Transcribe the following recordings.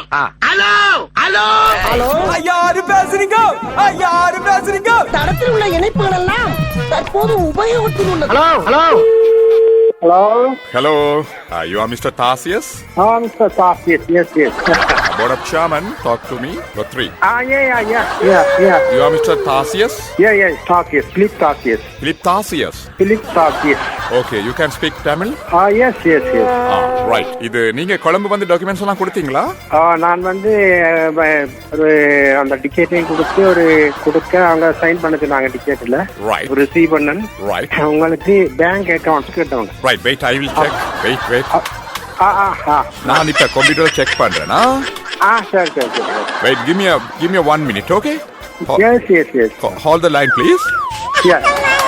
Hello hello hello, யாரு பேசுறீங்க? யாரு பேசுறீங்க? தடத்தில் உள்ள இணைப்புகள் எல்லாம் தற்போது உபயோகத்தில் உள்ளது. Hello hello Hello? Hello, you are Mr. Tarsius? Mr. Tarsius, yes. Board of Chairman, talk to me. Got 3. Yeah. You are Mr. Tarsius? Yeah, Tarsius, Philip Tarsius. Philip Tarsius. Philip Tarsius. Okay, you can speak Tamil? Yes. Right. இது நீங்க கொழும்பு வந்து documents எல்லாம் கொடுத்தீங்களா? நான் வந்து ஒரு அந்த டிக்கெட்டையும் கொடுக்க அவங்க சைன் பண்ண சொன்னாங்க டிக்கெட்ல. Right. ரிசீவ் பண்ணன். Right. உங்களுக்கு பேங்க் அக்கவுண்ட் கேட்டவங்க. Right, wait, I will check. Wait. ஆ. நான் இப்ப கம்ப்யூட்டர் செக் பண்றேனா? சரி. Wait, give me a 1 minute, okay? Yes. Hold the line, please. Yeah.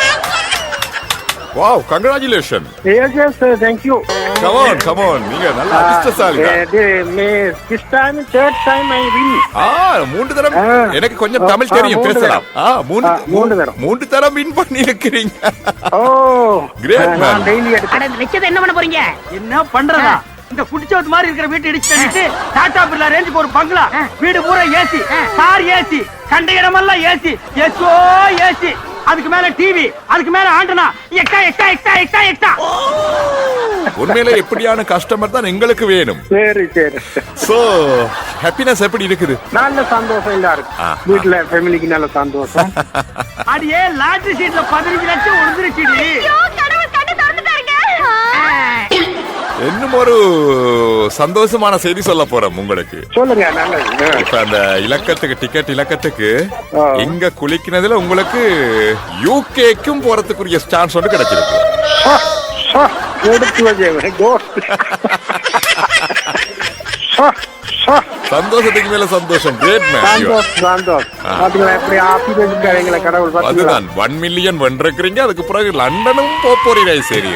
Wow, congratulations. Yes, thank you. Come on. நீங்க நல்ல அதிர்ஷ்டசாலிங்க. This time, third time I win. மூன்று தரம் எனக்கு கொஞ்சம் தமிழ் தெரியும் பேசலாம். மூன்று தரம் வின் பண்ணி இருக்கிறீங்க. Great man. நான் டெய்லி அட இந்த லட்சத்தை என்ன பண்ண போறீங்க? என்ன பண்றதா? இந்த குடிச்சோத்து மாதிரி இருக்கிற வீட்டை இடிச்சு தள்ளிட்டு டாடா பிர்லா ரேஞ்சுக்கு ஒரு பங்களா, வீடு பூரா ஏசி, கார் ஏசி, கண்ட இடமெல்லாம் ஏசி, ஏசி, அதுக்கு மேல டிவி, அதுக்கு மேல ஆண்டனா, எக்ஸ்ட்ரா. உண்மையிலே எப்படியான கஸ்டமர் தான் எங்களுக்கு வேணும். சரி. சோ ஹாப்பினஸ் எப்படி இருக்குது? நல்ல சந்தோஷம் இல்ல இருக்கு. வீட்டுல ஃபேமிலிக்கு நல்ல சந்தோஷம். அடியே லாட்டரி சீட்ல 15 லட்சம் உழுந்துருச்சுடி. இன்னும் ஒரு சந்தோஷமான செய்தி சொல்ல போறோம் உங்களுக்கு. சொல்லுங்க. நல்லது. இப்ப அந்த டிக்கெட் இலக்கத்துக்கு இங்க குளிக்கினதுல உங்களுக்கு யூகேக்கும் போறதுக்குரிய சான்ஸ் ஒன்று கிடைச்சிருக்கு. சந்தோஷத்துக்கு மேல சந்தோஷம். Great man. சந்தோஷம். எப்படி ஆபீஸ்ல கடவுள் பாத்தீங்களா? அதுதான் 1 மில்லியன் வென்றிருக்கிறீங்க. அதுக்கு பிறகு லண்டனும் போறீங்க. சரி.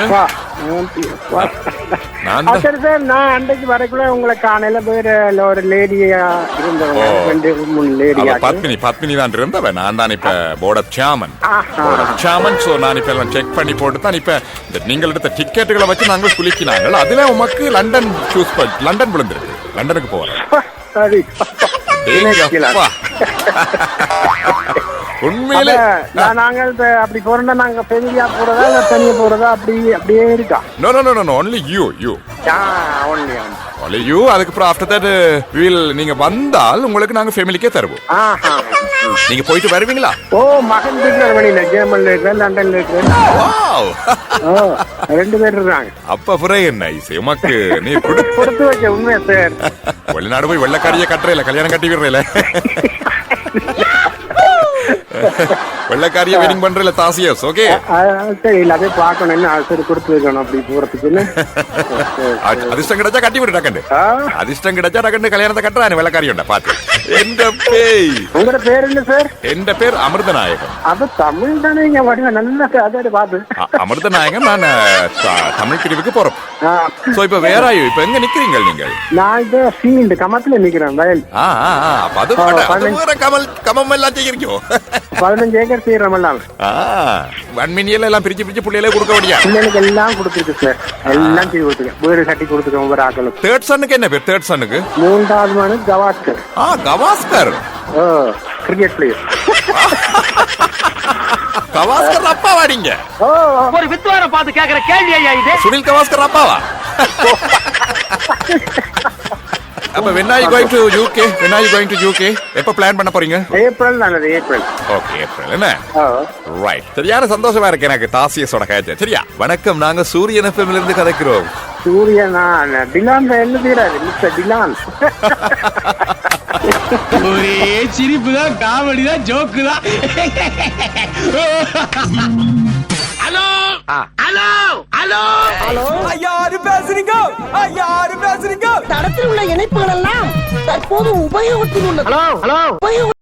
நான் அன்றைக்கு வரக்குள்ள உங்களை காணையில வேற ஒரு லேடியா இருந்தவங்க, 2-3 லேடியா. பத்மினி தான் இருந்தவன். நான் தான் இப்ப போர்ட் ஆஃப் சேர்மன். சோ நான் இப்ப எல்லாம் செக் பண்ணி போட்டு தான் இப்ப நீங்கள் எடுத்த டிக்கெட்டுகளை வச்சு நாங்கள் குளிக்கினாங்க. அதுல உமக்கு லண்டன் லண்டன் விழுந்திருக்கு. லண்டனுக்கு போறேன். சரி. உண்மையிலே நாங்கள் அப்படி போறோம்னா நாங்க ஃபேமிலியா போறதா இல்ல தனியா போறதா அப்படியே இருக்கா? No only you. Only you. அதுக்கு அப்புறம் after that நீங்க வந்தால் உங்களுக்கு நாங்க ஃபேமிலிக்கே தருவோம். நீங்க போயிட்டு வருவீங்களா? மகன் இருக்கிற வழியில ஜெர்மன்ல இருக்கிற, லண்டன்ல இருக்கிற. வாவ். 2 பேர் இருக்காங்க. அப்ப புரிய என்ன உமக்கு நீ கொடுத்து வச்ச உண்மையா சார். வெளிநாடு போய் வெள்ளக்காரிய கட்டுறல, கல்யாணம் கட்டி விடுறல. வெள்ளக்காரிய வெட்டிங் பண்றல தாசியஸ். ஓகே சரி. எல்லாத்தையும் பார்க்கணும். சரி, கொடுத்து வைக்கணும் அப்படி போறதுக்குன்னு. அதிர்ஷ்டம் கிடைச்சா கட்டி விடு டக்கண்டு. அதிர்ஷ்டம் கிடைச்சா டக்கண்டு கல்யாணத்தை கட்டுறான் வெள்ளக்காரியோட பாத்து. உங்களோட பேர் என்ன சார்? என் பேர் அமிர்தநாயகம். அது தமிழ் தானே? நல்ல அதை பாத்து. அமிர்தநாயகம். நான் தமிழ் பிரிவுக்கு போறோம். சோ இப்ப வேற இப்ப எங்க நிக்கிறீங்க நீங்கள்? நான் இந்த ஃபீல்ட் கமத்துல நிக்கிறேன், வயல். கமம் எல்லாம் செய்கிறோம். 15 ஏக்கர் செய்யறமெல்லாம். 1 மில்லியன் எல்லாம் பிரிச்சு புள்ளையிலே கொடுக்க முடியா? பிள்ளைகளுக்கு எல்லாம் கொடுத்துருக்கு சார். எல்லாம் செய்து கொடுத்துருக்கேன். வீடு கட்டி கொடுத்துருக்கேன் ஒவ்வொரு ஆக்களுக்கு. தேர்ட் சன்னுக்கு என்ன பேர்? தேர்ட் சன்னுக்கு 3வது மனு கவாஸ்கர். Gavaskar cricket player. கவாஸ்கர் அப்பா வாடிங்க. ஒரு வித்வான பார்த்து கேக்குற கேள்வி ஐயா இது. சுனில் கவாஸ்கர் அப்பாவா? அப்ப when are you going to UK? எப்ப பிளான் பண்ண போறீங்க? ஏப்ரல். நல்லது, ஏப்ரல். Okay, April. என்ன ரைட். சரியான சந்தோஷமா இருக்கு எனக்கு தாசியஸோட கேட்க. சரியா? வணக்கம், நாங்க சூரியன் எஃப்எம்ல இருந்து கதைக்கிறோம். சூரியனா? டிலான் என்ன பேராது? மிஸ்டர் டிலான். ஒரே சிரிப்பு தான், காமெடி தான், ஜோக்கு தான். ஹலோ, யாரு பேசுறீங்க? தடத்தில் உள்ள இணைப்புகள் எல்லாம் தற்போது உபயோகத்தில் உள்ளது. ஹலோ